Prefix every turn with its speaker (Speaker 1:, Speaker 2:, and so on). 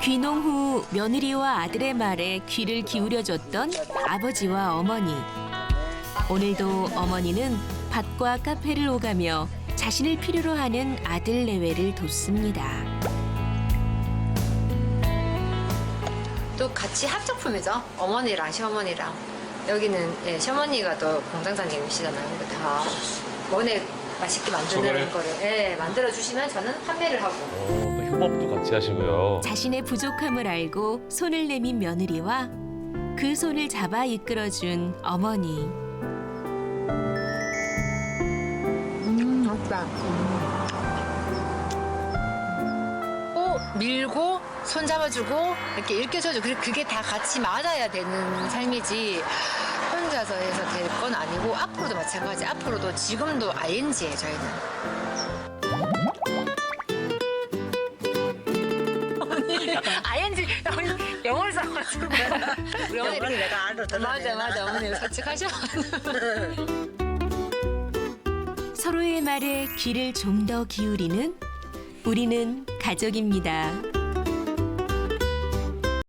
Speaker 1: 귀농 후 며느리와 아들의 말에 귀를 기울여줬던 아버지와 어머니. 오늘도 어머니는 밭과 카페를 오가며 자신을 필요로 하는 아들 내외를 돕습니다.
Speaker 2: 또 같이 합작품이죠. 어머니랑 시어머니랑. 여기는 예, 시어머니가 또 공장장님이시잖아요. 그러니까 다 원에 맛있게 만드는 거를 예, 만들어 주시면 저는 판매를 하고.
Speaker 3: 또 협업도 같이 하시고요.
Speaker 1: 자신의 부족함을 알고 손을 내민 며느리와 그 손을 잡아 이끌어준 어머니.
Speaker 2: 맞다. 밀고 손 잡아주고 이렇게 일으켜줘주고 그게 다 같이 맞아야 되는 삶이지 혼자서 해서 될 건 아니고 앞으로도 마찬가지. 앞으로도 지금도 ING예요 저희는. ING 영어를 써가지고 우리 어머니
Speaker 4: 내가 알아.
Speaker 2: 맞아 어머니가 솔직하셔.
Speaker 1: 서로의 말에 귀를 좀 더 기울이는 우리는 가족입니다.